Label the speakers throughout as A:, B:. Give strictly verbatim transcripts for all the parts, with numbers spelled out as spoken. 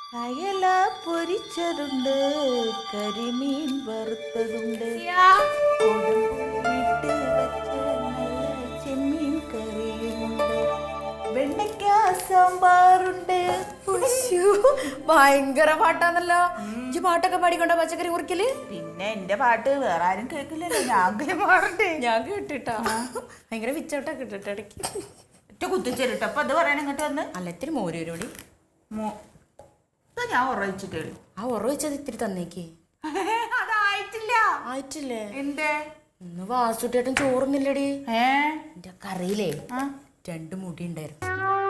A: അയല പൊരിച്ചതുണ്ട്, കരിമീൻ വറുത്തതുണ്ട്, കൊടുമ്പിട്ട് വെച്ച നല്ല ചെമ്മീൻ കറിയുമുണ്ട്, വെണ്ടയ്ക്ക സാമ്പാറുണ്ട്.
B: ഭയങ്കര പാട്ടാന്നല്ലോ. ഇജ്ജ് പാട്ടൊക്കെ പാടിക്കൊണ്ട പച്ചക്കറി കുറിക്കല്?
A: പിന്നെ എന്റെ പാട്ട് വേറെ ആരും കേൾക്കില്ലല്ലോ, ഞാൻ പാടണ്ടേ.
B: ഞാൻ കേട്ടിട്ടാ ഭയങ്കര വിച്ചോട്ടാ കിട്ടിട്ട് ഇടയ്ക്ക്
A: ഒറ്റ കുത്തിച്ചേരിട്ടോ. അപ്പൊ അത് പറയാൻ ഇങ്ങോട്ട് വന്ന്
B: അല്ല ഇത്തിരി മോരൂരോടി
A: ഞാൻ ഉറവിച്ചു കേളു.
B: ആ ഉറ വെച്ചത് ഇത്തിരി തന്നേക്ക്.
A: അതായിട്ടില്ല.
B: ആയിട്ടില്ലേ?
A: എന്തേ
B: ഇന്ന് വാസുട്ടേട്ടൻ ചോറുന്നില്ലടി.
A: ഏ
B: എന്റെ കറിയിലേ രണ്ട് മുടി ഉണ്ടായിരുന്നു.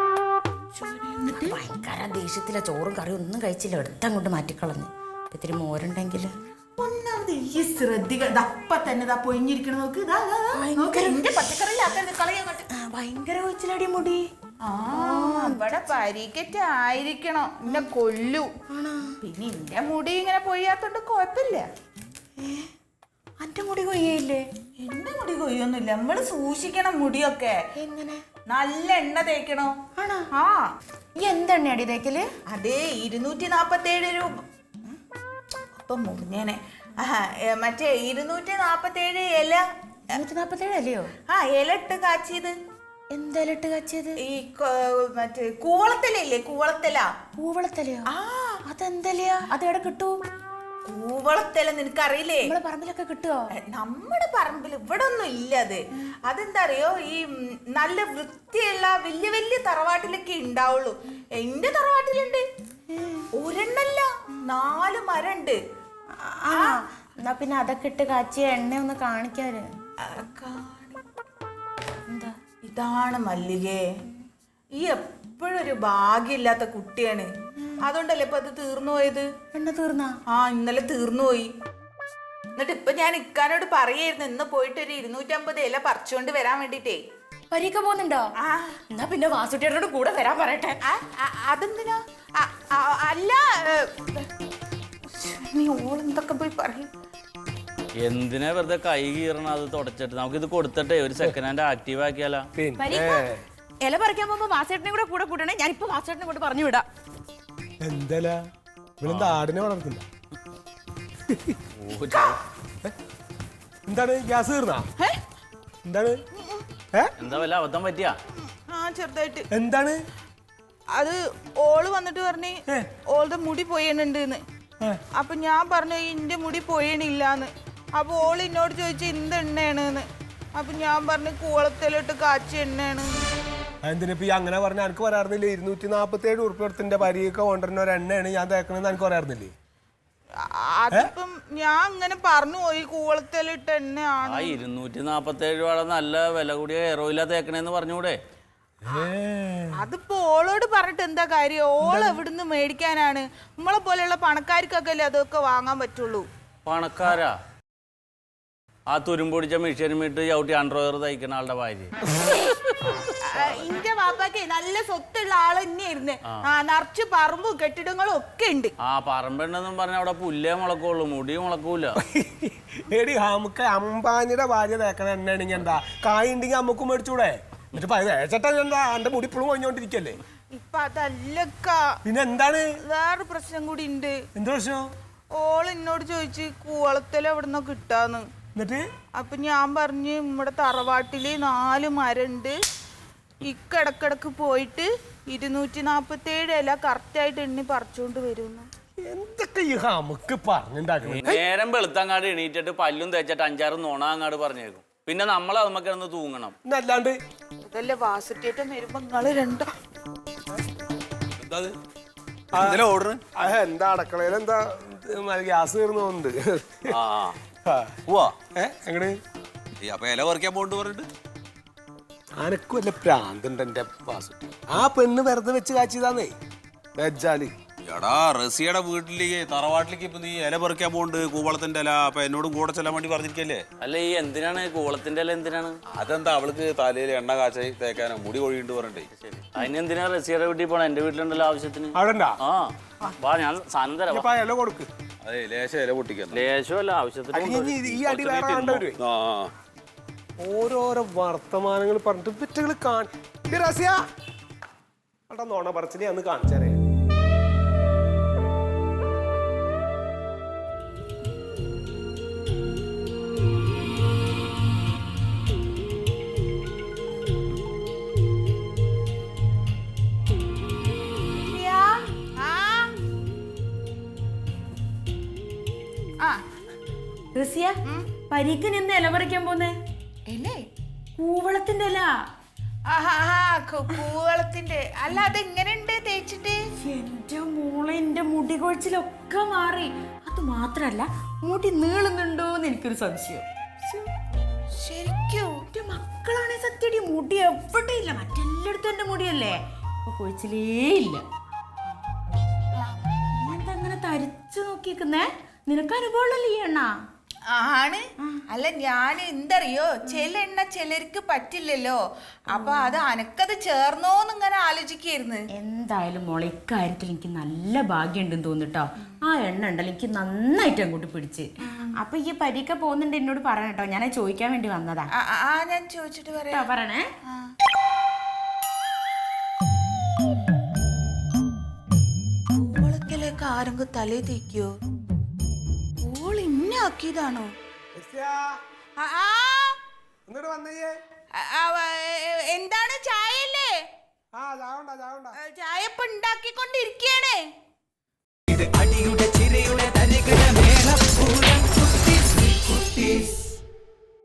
B: ഭയങ്കര ദേഷ്യത്തില ചോറും കറിയും ഒന്നും കഴിച്ചില്ല, എടുത്തങ്ങോട്ട് മാറ്റിക്കളഞ്ഞു. ഇത്തിരി മോരുണ്ടെങ്കിൽ
A: ഒന്നാമത് ഈ ശ്രദ്ധിക്കുക. അപ്പ തന്നെ ഇതാ പൊയിഞ്ഞിരിക്കണ നോക്ക്.
B: ഭയങ്കര കൊച്ചിലടി മുടി.
A: ആ ഇവിടെ പരിക്കറ്റ് ആയിരിക്കണം, എന്നെ കൊല്ലു. പിന്നെ എന്റെ മുടി ഇങ്ങനെ പൊയ്യാത്തോണ്ട് കുഴപ്പമില്ല.
B: അന്റെ മുടി കൊയ്യയില്ലേ?
A: എന്റെ മുടി കൊയ്യൊന്നുമില്ല. നമ്മള് സൂക്ഷിക്കണം മുടിയൊക്കെ.
B: എങ്ങനെ?
A: നല്ല എണ്ണ തേക്കണോ?
B: ആണോ?
A: ആ.
B: ഈ എന്തെണ്ണയാടി തേക്കല്?
A: അതേ ഇരുന്നൂറ്റി നാപ്പത്തി ഏഴ് രൂപ. അപ്പൊ മുന്നേനെ മറ്റേ ഇരുന്നൂറ്റി നാപ്പത്തി ഏഴ് ഇല.
B: നൂറ്റി നാപ്പത്തി ഏഴ് അല്ലയോ?
A: ആ ഇല ഇട്ട് കാച്ചിയത്.
B: എന്തായാലും ഇട്ട് കാച്ചിയത്?
A: ഈ മറ്റേ കൂവളത്തലയില്ലേ, കൂവളത്തല.
B: പൂവളത്തലയോ?
A: ആ
B: അതെന്തലയാ? അതെവിടെ കിട്ടൂ?
A: കൂവളത്തല നിനക്കറിയില്ലേ?
B: നമ്മളെ പറമ്പിലൊക്കെ കിട്ടുവോ?
A: നമ്മുടെ പറമ്പിൽ ഇവിടെ ഒന്നും ഇല്ല. അത് അതെന്താ അറിയോ, ഈ നല്ല വൃത്തിയുള്ള വലിയ വലിയ തറവാട്ടിലൊക്കെ ഉണ്ടാവുള്ളൂ. എന്റെ തറവാട്ടിലുണ്ട് ഒരെണ്ണല്ല, നാല് മരണ്ട്.
B: എന്നാ പിന്നെ അതൊക്കെ ഇട്ട് കാച്ചിയ എണ്ണ ഒന്ന് കാണിക്കാര്.
A: എന്താ ഇതാണ് മല്ലികേ, ഈ എപ്പോഴും ഒരു ഭാഗ്യമില്ലാത്ത കുട്ടിയാണ്. അതുകൊണ്ടല്ലേ ഇപ്പൊ അത് തീർന്നു പോയത്.
B: എണ്ണ തീർന്നാ?
A: ആ ഇന്നലെ തീർന്നു പോയി. എന്നിട്ട് ഇപ്പൊ ഞാൻ ഇക്കാനോട് പറയായിരുന്നു ഇന്ന് പോയിട്ട് ഒരു ഇരുന്നൂറ്റമ്പത് ഇല പറിച്ചുകൊണ്ട് വരാൻ വേണ്ടിട്ടേ.
B: പരീക്ക പോകുന്നുണ്ടോ?
A: ആ
B: എന്നാ പിന്നെ വാസുട്ടിയോട് കൂടെ വരാൻ പറയട്ടെ.
A: അതെന്തിനാ? അല്ല നീ ഓളെന്തൊക്കെ പോയി പറയും.
C: എന്തിനാ വെറുതെ കൈ കീറണം? അത് തുടച്ചിട്ട് നമുക്കിത് കൊടുത്തിട്ടേ ഒരു സെക്കൻഡ് ഹാൻഡ് ആക്റ്റീവ് ആക്കിയാലോ.
B: ഇല പറിക്കാൻ പോകുമ്പോ വാസേട്ടനെ കൂടെ കൂടെ കൂട്ടണേ. ഞാനിപ്പോ വാസേട്ടനെ കൊണ്ട് പറഞ്ഞു വിടാം.
D: എന്തല്ല ഇവളെന്താ ആടിനെ വളർത്തുന്ന? എന്താണ് ഗ്യാസ് തീർന്നാ? എന്താണ്
C: എന്താ വല്ല അബദ്ധം പറ്റിയാ?
A: ആ ചെറുതായിട്ട്.
D: എന്താണ്
A: അത് ഓള് വന്നിട്ട് പറഞ്ഞ് ഓളുടെ മുടി പൊയ്യണുണ്ട്. അപ്പൊ ഞാൻ പറഞ്ഞു ഇന്റെ മുടി പൊയ്യണില്ലാന്ന്. അപ്പൊ ഓള് എന്നോട് ചോദിച്ചു എന്ത് എണ്ണയാണ്. അപ്പൊ ഞാൻ പറഞ്ഞു കൂവളത്തിലിട്ട് കാച്ചിയ എണ്ണയാണ്.
D: എന്തിനിപ്പ ഈ അങ്ങനെ പറഞ്ഞ എനിക്ക് പറയാറുന്നില്ലേ? ഇരുന്നൂറ്റി നാപ്പത്തി ഏഴ് ഉറുപ്പിടത്തിന്റെ പരിയൊക്കെ കൊണ്ടുവരുന്ന ഒരു എണ്ണയാണ് ഞാൻ തേക്കണെന്ന് എനിക്ക് പറയാറുന്നില്ലേ?
A: അതിപ്പം ഞാൻ അങ്ങനെ പറഞ്ഞു പോയി കൂവളത്തിലിട്ട് എണ്ണയാണ്.
C: ആ ഇരുന്നൂറ്റി നാപ്പത്തി ഏഴ് രൂപ നല്ല വില കൂടിയ ഹെയർ ഓയിലാ തേക്കണേന്ന് പറഞ്ഞൂടെ?
A: അതിപ്പോ ഓളോട് പറഞ്ഞിട്ട് എന്താ കാര്യം? ഓൾ എവിടുന്ന് മേടിക്കാനാണ്? നമ്മളെ പോലെയുള്ള പണക്കാർക്കൊക്കെ അല്ലേ അതൊക്കെ വാങ്ങാൻ പറ്റുള്ളൂ.
C: പണക്കാരാ? ആ തുരുമ്പൊടിച്ച മെഷീനുമിട്ട് ചവിട്ടി അണ്ടർവെയർ തയ്ക്കുന്ന ആളുടെ ഭാര്യ.
A: ഇന്റെ ബാപ്പാക്ക് നല്ല സ്വത്തുള്ള ആള് തന്നെയായിരുന്നു. ആ നിറച്ച് പറമ്പും കെട്ടിടങ്ങളും ഒക്കെ ഉണ്ട്.
C: ആ പറമ്പെണ്ണെന്നും പറഞ്ഞ അവിടെ പുല്ലേ മുളക്കുള്ളൂ, മുടി മുളക്കൂല.
D: എടി നമുക്ക് അമ്പാനിയുടെ ഭാര്യ തേക്കണ എണ്ണയാണെങ്കിൽ എന്താ കായ് ഉണ്ടെങ്കിൽ അമ്മക്കും മേടിച്ചൂടെ? എന്നിട്ട് തേച്ചട്ടാ എന്താ എന്റെ മുടി ഇപ്പോഴും കൊഞ്ഞോണ്ടിരിക്കല്ലേ?
A: ഇപ്പൊ അതല്ലക്ക.
D: പിന്നെ എന്താണ്?
A: വേറെ പ്രശ്നം കൂടി ഉണ്ട്.
D: എന്ത് പ്രശ്നം?
A: ഓള് എന്നോട് ചോദിച്ചു കൂവളത്തില് എവിടുന്നോ കിട്ടാന്ന്.
D: എന്നിട്ട്
A: അപ്പൊ ഞാൻ പറഞ്ഞു നമ്മുടെ തറവാട്ടില് നാല് മരണ്ട്, ഇക്കിടക്കിടക്ക് പോയിട്ട് ഇരുന്നൂറ്റി നാപ്പത്തി ഏഴ് ഇല കറക്റ്റ് ആയിട്ട് എണ്ണി പറിച്ചോണ്ട് വരുന്നു.
D: എന്തൊക്കെ ഈ നമുക്ക് പറഞ്ഞുണ്ടാക്കണം.
C: നേരം വെളുത്തങ്ങാട് എണീറ്റിട്ട് പല്ലും തേച്ചിട്ട് അഞ്ചാറ് നുണ അങ്ങാട് പറഞ്ഞേക്കും. പിന്നെ നമ്മൾ അതുമ്മ കിടന്ന് തൂങ്ങണം.
D: അല്ലാണ്ട്
A: അതല്ലേ വാസുറ്റേറ്റം വരുമ്പോ നിങ്ങള് രണ്ടോ
D: എന്താ അടക്കളയിൽ എന്താ ഗ്യാസ് തീർന്നുണ്ട്. എങ്ങട്
E: ഇല പറിക്കാൻ പോണ്ട് പറഞ്ഞിട്ട്
D: അനക്ക് വല്ല പ്രാന്തുണ്ട് എന്റെ വാസുട്ടി. ആ പെണ്ണ് വെറുതെ വെച്ച് കാച്ചിയതാന്നേ വെച്ചാല്.
E: എടാ റസിയുടെ വീട്ടിലേക്ക് തറവാട്ടിലേക്ക് ഇപ്പൊ നീ ഇല പറിക്കാൻ പോണ്ട്, കൂവളത്തിന്റെ ഇല. അപ്പൊ എന്നോടും കൂടെ ചെല്ലാൻ വേണ്ടി പറഞ്ഞിരിക്കല്ലേ?
C: അല്ല ഈ എന്തിനാണ് കൂവളത്തിന്റെ ഇല? എന്തിനാണ്?
E: അതെന്താ അവൾക്ക് തലയിൽ എണ്ണ കാച്ചായി തേക്കാനോ മുടി കൊഴിയുണ്ട് പറഞ്ഞിട്ടേ.
C: അതിനെന്തിനാ റസിയുടെ വീട്ടിൽ പോണ? എന്റെ വീട്ടിലുണ്ടല്ലോ ആവശ്യത്തിന്.
D: അവിടെ
C: ആ വാ, ഞാൻ സാധനം തരാം.
D: ഇല കൊടുക്ക്.
E: അതെ ലേശം ഇല പൊട്ടിക്കാൻ.
C: ലേശമല്ല, ആവശ്യത്തിന്.
D: ഈ അടി വേറെ കണ്ടവര് ഓരോരോ വർത്തമാനങ്ങൾ പറഞ്ഞിട്ട് വിറ്റുകൾ കാണി നോണ പറച്ചിനെ അന്ന് കാണിച്ചറിയാം.
B: റസിയ പരീക്ക് നിന്ന് ഇല പറിക്കാൻ പോന്നേ
A: എല്ലേ
B: കൂവളത്തിന്റെ ഇല.
A: കൂവളത്തിന്റെ അല്ല, അതെങ്ങനെയുണ്ട് തേച്ചിട്ട്?
B: എന്റെ മോളെ, എന്റെ മുടി കൊഴിച്ചിലൊക്കെ മാറി. അത് മാത്രല്ല, മുടി നീളുന്നുണ്ടോന്ന് എനിക്കൊരു സംശയം.
A: ശരിക്കും
B: എന്റെ മക്കളാണെ സത്യടി മുടി എവിടെ ഇല്ല, മറ്റെല്ലായിടത്തും എന്റെ മുടിയല്ലേ, അപ്പൊ കൊഴിച്ചിലേ ഇല്ല. എന്താ അങ്ങനെ തരിച്ചു നോക്കിക്കുന്നേ? നിനക്ക് അനുഭവമുള്ളല്ലേ ഈ എണ്ണ?
A: ആണ്. അല്ല, ഞാൻ എന്തറിയോ, ചില എണ്ണ ചിലർക്ക് പറ്റില്ലല്ലോ, അപ്പൊ അത് അനക്കത് ചേർന്നോന്ന് ഇങ്ങനെ ആലോചിക്കായിരുന്നു.
B: എന്തായാലും മോളെ, ഇക്കാര്യത്തിൽ എനിക്ക് നല്ല ഭാഗ്യം ഉണ്ടെന്ന് തോന്നിട്ടോ. ആ എണ്ണ ഉണ്ടല്ലോ എനിക്ക് നന്നായിട്ട് അങ്ങോട്ട് പിടിച്ച്. അപ്പൊ ഈ പരീക്ക പോകുന്നുണ്ട് എന്നോട് പറയണം കേട്ടോ, ഞാൻ ചോദിക്കാൻ വേണ്ടി വന്നതാ.
A: ആ, ഞാൻ ചോദിച്ചിട്ട് പറയാം.
B: പറയണേ.
A: കൂവളത്തിലേക്ക് ആരെങ്കിലും തലേ തേക്കോ? ഓൾ ഇന്നാക്കിയതാണോ?
D: ഇങ്ങോട്ട് വന്നേ.
A: എന്താണ്, ചായയല്ലേ?
D: ആ ചാവണ്ട ചാവണ്ട
A: ചായ ഇപ്പൊ ഉണ്ടാക്കിക്കൊണ്ടിരിക്കയാണ്.
F: ഇത് അടിയുടെ ചിരയുടെ തരികിട മേളപ്പൂരം കുട്ടീസ് കുട്ടീസ്